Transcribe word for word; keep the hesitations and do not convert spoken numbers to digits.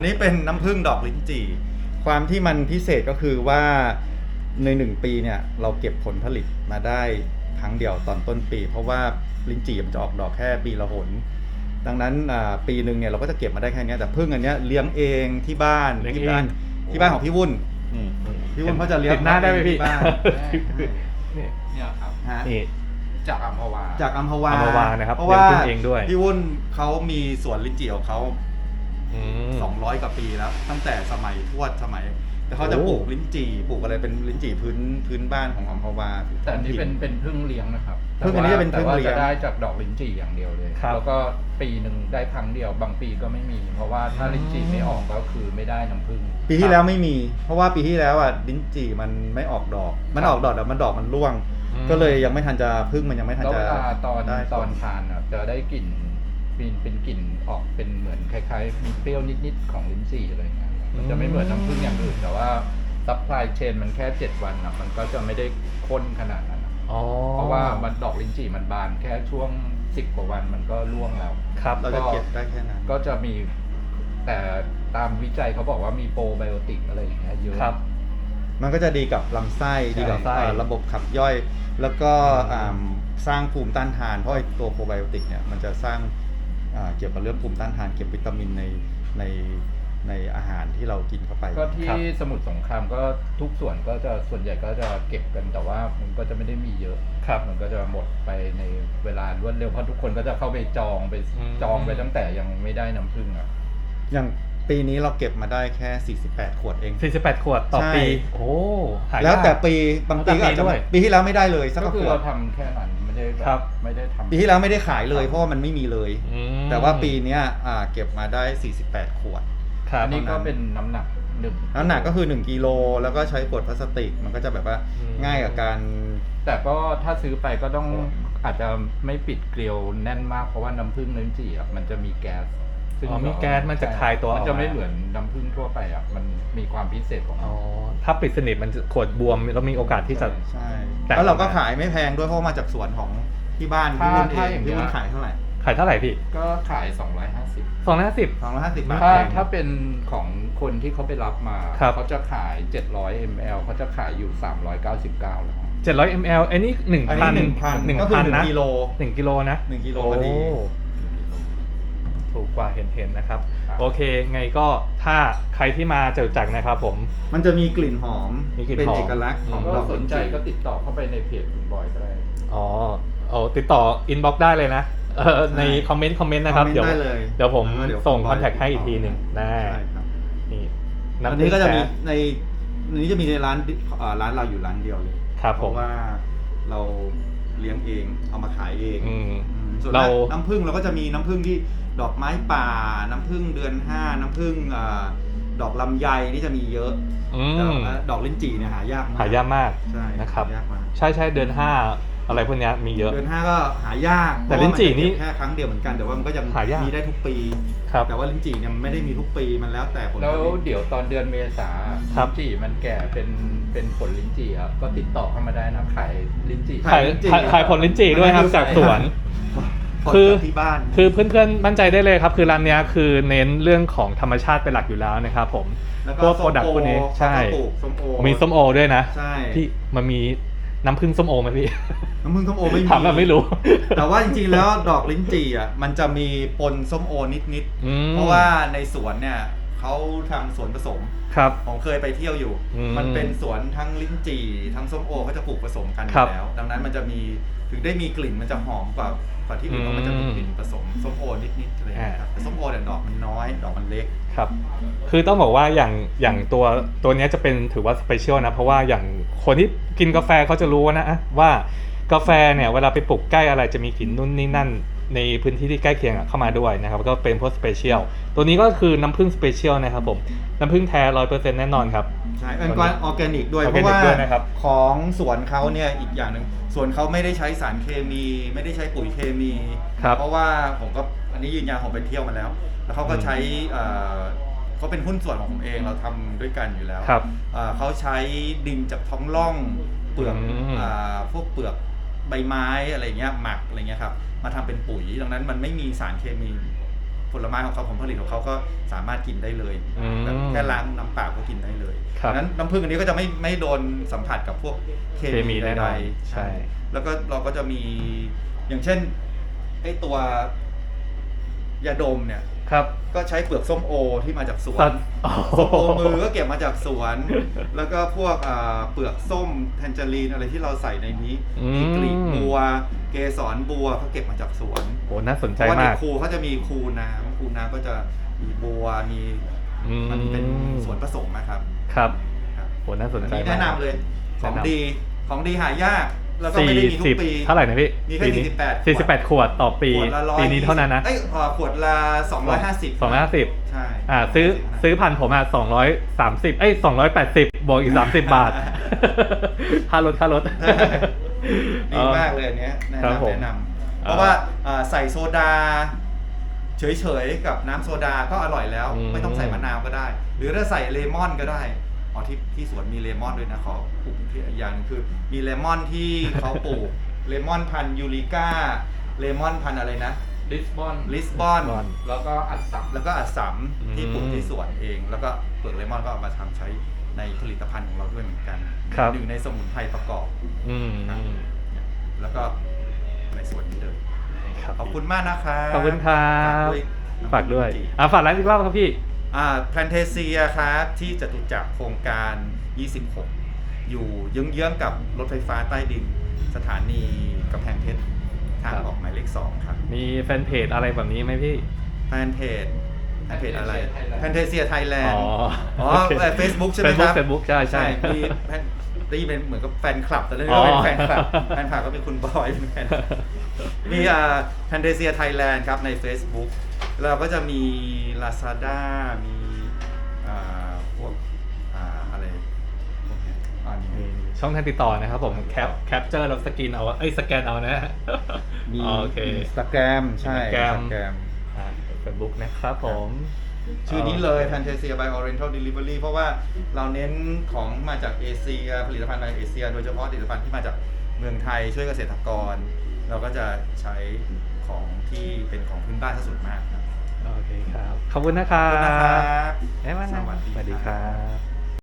นี่เป็นน้ำผึ้งดอกลิ้นจี่ความที่มันพิเศษก็คือว่าในหนึ่งปีเนี่ยเราเก็บผลผลิตมาได้ครั้งเดียวตอนต้นปีเพราะว่าลิ้นจี่มันจะออกดอกแค่ปีละหนดังนั้นปีหนึ่งเนี่ยเราก็จะเก็บมาได้แค่นี้แต่ผึ้งอันนี้เลี้ยงเองที่บ้านที่บ้านที่บ้านของพี่วุ่นพี่วุ่นเขาจะเลี้ยงหน้าได้ไหมพี่บ้านเนี่ยครับนี่จากอัมพวาจากอัมพวาอัมพวานะครับเพราะว่าเองด้วยพี่วุ่นเขามีสวนลิ้นจี่ของเขาสองร้อยกว่าปีแล้วตั้งแต่สมัยทวดสมัยแต่เขาจะปลูกลิ้นจี่ปลูกอะไรเป็นลิ้นจี่พื้นพื้นบ้านของอัมพวาแต่อันนี้เป็นเป็นพึ่งเลี้ยงนะครับพึ่งอันนี้จะเป็นพึ่งเลี้ยงจะได้จากดอกลิ้นจี่อย่างเดียวเลยแล้วก็ปีหนึ่งได้ครั้งเดียวบางปีก็ไม่มีเพราะว่าถ้าลิ้นจี่ไม่ออกก็คือไม่ได้น้ำผึ้งปีที่แล้วไม่มีเพราะว่าปีที่แล้วอ่ะลิ้นจี่มันไม่ออกดอกมันออกดอกแต่มันดอกมันร่วงก็เลยยังไม่ทันจะพึ่งมันยังไม่ทันจะแล้วเวลาตอนตอนทานอ่ะจะได้กลิ่นเป็นเป็นกลิ่นออกเป็นเหมือนคล้ายๆมีเปรี้ยวนิดๆของลิ้นจี่อะไรเงี้ยมันจะไม่เหมือนน้ำผึ้งอย่างอื่นแต่ว่าซัพพลายเชนมันแค่เจ็ดวันอ่ะมันก็จะไม่ได้ข้นขนาดนั้นเพราะว่ามันดอกลิ้นจี่มันบานแค่ช่วงสิบกว่าวันมันก็ร่วงแล้วครับเราจะเก็บได้แค่นั้นก็จะมีแต่ตามวิจัยเขาบอกว่ามีโปรไบโอติกอะไรอย่างเงี้ยเยอะครับมันก็จะดีกับลำไส้ดีกับระบบขับย่อยแล้วก็สร้างภูมิต้านทานเพราะไอ้ตัวโปรไบโอติกเนี่ยมันจะสร้างเกี่ยวกับเรื่องภูมิต้านทานเก็บวิตามินในในในอาหารที่เรากินเข้าไปก็ที่สมุทรสงครามก็ทุกส่วนก็จะส่วนใหญ่ก็จะเก็บกันแต่ว่ามันก็จะไม่ได้มีเยอะครับมันก็จะหมดไปในเวลารวดเร็วเพราะทุกคนก็จะเข้าไปจองไปจองไปตั้งแต่ยังไม่ได้น้ำผึ้งอ่ะอย่างปีนี้เราเก็บมาได้แค่สี่สิบแปดขวดเองสี่สิบแปดขวดต่อปีโอ้แล้วแต่ปีบางปีก็อาจจะปีที่แล้วไม่ได้เลยสักขวดก็คือเราทำแค่นั้นไม่ได้แบบไม่ได้ทำปีที่แล้วไม่ได้ขายเลยเพราะว่ามันไม่มีเลยแต่ว่าปีนี้เก็บมาได้สี่สิบแปดขวดอันนี้ก็เป็นน้ำหนักหนึ่งน้ำหนักก็คือหนึ่งกิโลแล้วก็ใช้ขวดพลาสติกมันก็จะแบบว่าง่ายกับการแต่ก็ถ้าซื้อไปก็ต้องอาจจะไม่ปิดเกลียวแน่นมากเพราะว่าน้ำผึ้งลิ้นจี่อ่ะมันจะมีแก๊สซึ่งมีแก๊สมันจะคายตัวมันจะไม่เหมือนน้ำผึ้งทั่วไปอ่ะมันมีความพิเศษของมันอ๋อถ้าปิดสนิทมันขวดบวมแล้วมีโอกาสที่จะใช่แล้วเราก็ขายไม่แพงด้วยเพราะมาจากสวนของที่บ้านที่รุ่นเองที่รุ่นขายเท่าไหร่ขายเท่าไหร่พี่ก็ขายสองร้อยห้าสิบสองร้อยห้าสิบสองร้อยห้าสิบบาทถ้าถ้าเป็นของคนที่เขาไปรับมาเขาจะขายเจ็ดร้อยมิลลิลิตรเขาจะขายอยู่สามร้อยเก้าสิบเก้าแล้วเจ็ดร้อยมิลลิลิตรอันนี้หนึ่งพันหนึ่งพันหนึ่งก็คือหนึ่งนะกิโลหนึ่งกิโลนะหนึ่งกิโลพอดีถูกกว่าเห็นเห็นนะครับโอเคไงก็ถ้าใครที่มาเจอจักนะครับผมมันจะมีกลิ่นหอมเป็นเอกลักษณ์ของเราสนใจก็ติดต่อเข้าไปในเพจคุณบอยก็ได้อ๋อโอ้ติดต่ออินบ็อกซ์ได้เลยนะในคอมเมนต์คอมเมนต์นะครับเดี๋ยวเดี๋ยวผมส่งคอนแทคให้อีกทีหนึ่งได้นี่อันนี้ก็จะมีในนี้จะมีในร้านร้านเราอยู่ร้านเดียวเลยเพราะว่าเราเลี้ยงเองเอามาขายเองส่วนน้ำผึ้งเราก็จะมีน้ำผึ้งที่ดอกไม้ป่าน้ำผึ้งเดือนห้าน้ำผึ้งดอกลำไยนี่จะมีเยอะดอกลิ้นจี่เนี่ยหายากมากหายากมากใช่นะครับใช่ใช่เดือนห้าอะไรพวกนี้มีเยอะเดือนห้าก็หายากแต่ลิ้นจี่นี่แค่ครั้งเดียวเหมือนกันแต่ว่ามันก็ยังมีได้ทุกปีแต่ว่าลิ้นจี่เนี่ยมันไม่ได้มีทุกปีมันแล้วแต่ผลแล้วเดี๋ยวตอนเดือนเมษาลิ้นจี่มันแก่เป็นเป็นผลลิ้นจี่ครับก็ติดต่อเข้ามาได้นะขายลิ้นจี่ขายขายผลลิ้นจี่ด้วยครับจากสวนคือที่บ้านคือเพื่อนๆมั่นใจได้เลยครับคือร้านนี้คือเน้นเรื่องของธรรมชาติเป็นหลักอยู่แล้วนะครับผมพวกโปรดักต์พวกนี้ใช่มีส้มโอด้วยนะที่มันมีน้ำผึ้งส้มโอไหมพี่น้ำผึ้งส้มโอไม่มีถามแบบไม่รู้แต่ว่าจริงๆแล้วดอกลิ้นจี่อ่ะมันจะมีปนส้มโอนิดๆเพราะว่าในสวนเนี่ยเขาทำสวนผสมครับผมเคยไปเที่ยวอยู่มันเป็นสวนทั้งลิ้นจี่ทั้งส้มโอเขาจะปลูกผสมกันอยู่แล้วดังนั้นมันจะมีถึงได้มีกลิ่นมันจะหอมกว่ากว่าที่อื่นเพราะมันจะมีกลิ่นผสมส้มโอนิดๆอะไรครับแต่ส้มโอเนี่ยดอกมันน้อยดอกมันเล็กครับคือต้องบอกว่าอย่างอย่างตัวตัวนี้จะเป็นถือว่าสเปเชียลนะเพราะว่าอย่างคนที่กินกาแฟเขาจะรู้นะว่ากาแฟเนี่ยเวลาไปปลูกใกล้อะไรจะมีกลิ่นนู่นนี่นั่นในพื้นที่ที่ใกล้เคียงเข้ามาด้วยนะครับก็เป็นพวกสเปเชียลตัวนี้ก็คือน้ำผึ้งสเปเชียลนะครับผมน้ำผึ้งแท้ร้อยเปอร์เซ็นต์แน่นอนครับใช่เป็นการออร์แกนิกด้วยเพราะว่าของสวนเขาเนี่ยอีกอย่างหนึ่งสวนเขาไม่ได้ใช้สารเคมีไม่ได้ใช้ปุ๋ยเคมีเพราะว่าผมก็อันนี้ยืนยันผมไปเที่ยวมาแล้วแล้วเขาก็ใช้เขาเป็นหุ้นส่วนของผมเองเราทำด้วยกันอยู่แล้วเขาใช้ดินจากท้องร่องเปลือกพวกเปลือกใบไม้อะไรเงี้ยหมักอะไรเงี้ยครับมาทำเป็นปุ๋ยดังนั้นมันไม่มีสารเคมีผลไม้ของเขาผลผลิตของเขาก็สามารถกินได้เลยอืมแบบแค่ล้างน้ำเปล่าก็กินได้เลยครับนั้นน้ำผึ้งอันนี้ก็จะไม่ไม่โดนสัมผัสกับพวกเคเคมีมีแน่นใดอนๆใช่แล้วก็เราก็จะมีอย่างเช่นไอตัวยาดมเนี่ยครับก็ใช้เปลือกส้มโอที่มาจากสวสันตว์โอ้โหส้มโอมือก็เก็บมาจากสวน แล้วก็พวกอ่าเปลือกส้มแทนเจอรีนอะไรที่เราใส่ในนี้อืมมีกลีบบัว เกสรบัวเขาเก็บมาจากสวนโหน่าสนเพใจราะว่าในมากคูเขาจะมีคูน้ำคูน้ำก็จะมีบัวมีอืมมันเป็นส่วนผสมนะครับครับครับโหน่าสนอันใจนี้มากแนะนำเลยของแนะนำดีของดีหายาก แล้วก็ไม่สี่ได้มีทุสิบกปีเท่าไหร่นะพี่มีแค่ปีนี้สี่สิบแปดสี่สิบแปดขวดต่อปีขวดละร้อยปีนี้เท่านั้นนะเอ้ยเอ่อขวดละสองร้อยห้าสิบสองร้อยห้าสิบใช่อ่าซื้อซื้อพันผมอ่ะสองร้อยสามสิบเอ้ยสองร้อยแปดสิบบวกอีกสามสิบบาท ค่ารถค่ารถดีมากเลยอันเนี้ยแนะครับผมนำแนะนำเพราะว่าอ่าใส่โซดา เฉยๆกับน้ำโซดาก็อร่อยแล้วอืมไม่ต้องใส่มะนาวก็ได้ หรือถ้าใส่เลมอนก็ได้อ๋อที่ที่สวนมีเลมอนด้วยนะขอปลูกที่อีกอย่างหนึงคือ มีเลมอนที่เขาปลูก เลมอนพันธุ์ยูริก้าเลมอนพันธุ์อะไรนะลิสบอนลิสบอน Lisbon แล้วก็อัดสัมแล้วก็อัสสัมอืมที่ปลูกที่สวนเอง แล้วก็เปลือกเลมอนก็เอามาทำใช้ในผลิตภัณฑ์ของเราด้วยเหมือนกันครับหนึ่งในสมุนไพรประกอบอืมครับ แล้วก็ในส่วนนี้เลยครับขอบคุณมากนะครับขอบคุณครับ ฝากด้วยน้ำผึ้งอ่าฝากร้านอีกรอบครับพี่อ่าแพนเทเซียครับที่จตุจักรโครงการยี่สิบหกอยู่เยื้องๆกับรถไฟฟ้าใต้ดินสถานีกำแพงเพชรทางครับออกหมายเลขสองครับมีแฟนเพจอะไรแบบนี้ไหมพี่แฟนเพจแฟนเพจอะไรแพนเทเซียไทยแลนอ๋ด์ออ๋อโอเคเฟซบุ๊กใช่ไหมครับเฟซบุ๊กใช่ใช่มีแพนได้ยินเป็นเหมือนกับแฟนคลับแต่เรื่องอ๋อนี้เป็นแฟนคลับแฟนคลับก็มีคุณบอยเป็นแฟน มีอ่าแพนเทเซียไทยแลนด์ครับใน Facebook เราก็จะมี Lazada มีอ่าพวกอ่าอะไรพวกเนี้ยอ่านี่มีช่องทางติดต่อนะครับผมแคปแคปเจอร์แล้วสกินเอาเอ้ยสแกนเอานะมีโอเคอินสตาแกรมใช่ Instagram อินสตาแกรมเฟซบุ๊กนะครับผมชื่อนี้เลย Fantasia by Oriental Delivery เพราะว่าเราเน้นของมาจากเอเชียผลิตภัณฑ์มาจากเอเชีย โดยเฉพาะผลิตภัณฑ์ที่มาจากเมืองไทยช่วยเกษตรกร เราก็จะใช้ของที่เป็นของพื้นบ้านซะส่วนมากครับโอเคครับ ขอบคุณนะครัขอบคุณนะครับบบ๊ายบายสวัสดีสวัสดีครับ